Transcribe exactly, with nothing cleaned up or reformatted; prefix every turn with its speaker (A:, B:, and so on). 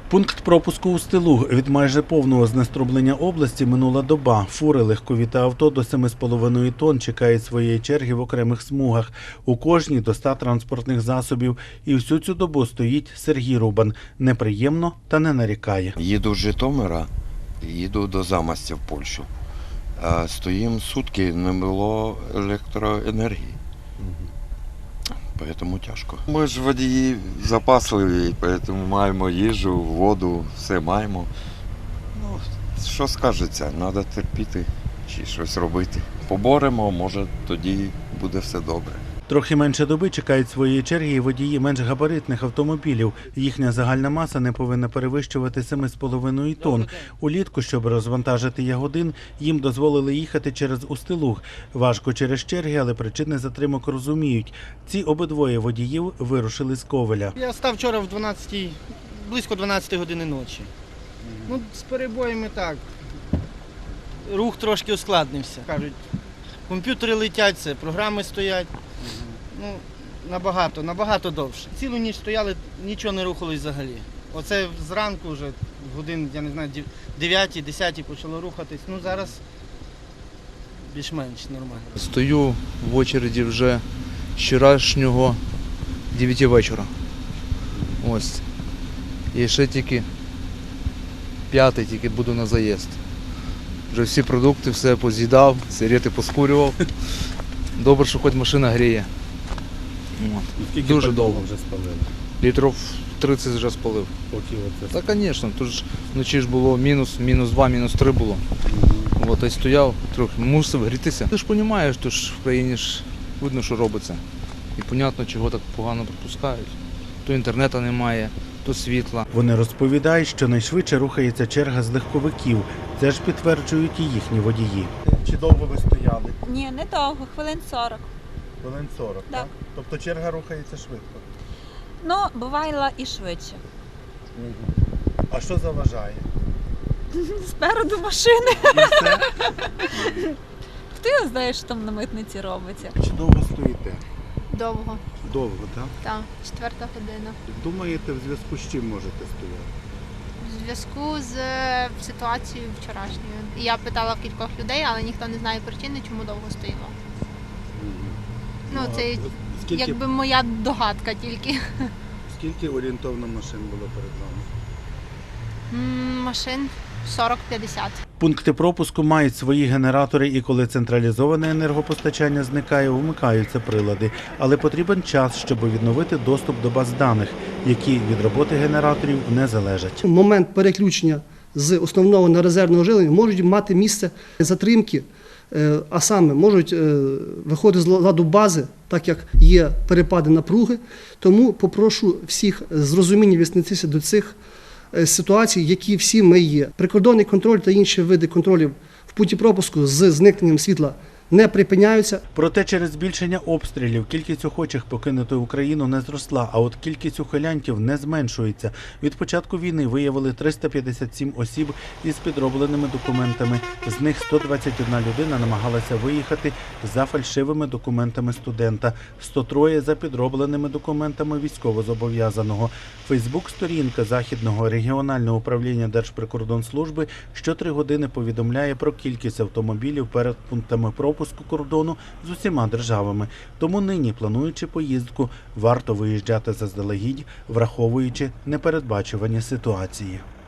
A: Пункт пропуску Устилуг. Від майже повного знеструблення області минула доба. Фури, легкові та авто до семи з половиною тонн чекають своєї черги в окремих смугах. У кожній до ста транспортних засобів. І всю цю добу стоїть Сергій Рубан. Неприємно та не нарікає.
B: Їду з Житомира, їду до Замостя в Польщу. А стоїмо сутки, не було електроенергії. Тому тяжко. Ми ж водії запасливі, тому маємо їжу, воду, все маємо. Ну, що скажеться, треба терпіти чи щось робити. Поборемо, може тоді буде все добре.
A: Трохи менше доби чекають своєї черги і водії менш габаритних автомобілів. Їхня загальна маса не повинна перевищувати семи з половиною тонн. Улітку, щоб розвантажити ягодин, їм дозволили їхати через Устилуг. Важко через черги, але причини затримок розуміють. Ці обидвоє водіїв вирушили з Ковеля.
C: Я став вчора в дванадцятій, близько дванадцятої години ночі. Ну, з перебоями так. Рух трошки ускладнився. Кажуть, комп'ютери летять, це програми стоять. Ну, набагато, набагато довше. Цілу ніч стояли, нічого не рухалось взагалі. Оце зранку вже, годин, я не знаю, дев'ятій, десятій почало рухатись. Ну, зараз більш-менш нормально.
D: Стою в очереді вже з вчорашнього дев'яти вечора. Ось. І ще тільки п'ятий, тільки буду на заїзд. Вже всі продукти, все поз'їдав, сигарети поскурював. Добре, що хоч машина гріє. От. Дуже довго вже спалили. Літрів тридцять вже спалив. Так, звісно, тут ж вночі ж було мінус, мінус два, мінус три було. Угу. От, і стояв, трохи мусив грітися. Ти ж розумієш, то ж в країні ж видно, що робиться. І зрозуміло, чого так погано пропускають. То інтернету немає, то світла.
A: Вони розповідають, що найшвидше рухається черга з легковиків. Це ж підтверджують і їхні водії. Чи довго ви стояли?
E: Ні, не довго, хвилин сорок.
A: Хвилин сорок,
E: так?
A: так? Тобто черга рухається швидко?
E: Ну, бувало і швидше.
A: Угу. А що заважає?
E: Спереду машини.
A: І все?
E: Хто його знає, що там на митниці робиться?
A: Чи довго стоїте?
F: Довго,
A: Довго, так?
F: так, четверта година.
A: Думаєте, в зв'язку з чим можете стояти?
F: В зв'язку з е, ситуацією вчорашньою. Я питала в кількох людей, але ніхто не знає причини, чому довго стоїмо. Ну,
A: а
F: це
A: скільки,
F: якби моя догадка тільки.
A: скільки орієнтовно машин було перед вами?
F: М, Машин сорок-п'ятдесят.
A: Пункти пропуску мають свої генератори, і коли централізоване енергопостачання зникає, вмикаються прилади. Але потрібен час, щоб відновити доступ до баз даних, які від роботи генераторів не залежать.
G: Момент переключення з основного на резервне живлення можуть мати місце затримки, а саме можуть виходити з ладу бази, так як є перепади напруги. Тому попрошу всіх з розумінням віднестися до цих ситуацій, які всі ми є. Прикордонний контроль та інші види контролів в пункті пропуску з зникненням світла не припиняються.
A: Проте через збільшення обстрілів кількість охочих покинути Україну не зросла, а от кількість ухилянтів не зменшується. Від початку війни виявили триста п'ятдесят сім осіб із підробленими документами. З них сто двадцять одна людина намагалася виїхати за фальшивими документами студента, сто три за підробленими документами військовозобов'язаного. Фейсбук-сторінка Західного регіонального управління Держприкордонслужби щотри години повідомляє про кількість автомобілів перед пунктами пропуску пропуску кордону з усіма державами. Тому нині, плануючи поїздку, варто виїжджати заздалегідь, враховуючи непередбачувані ситуації.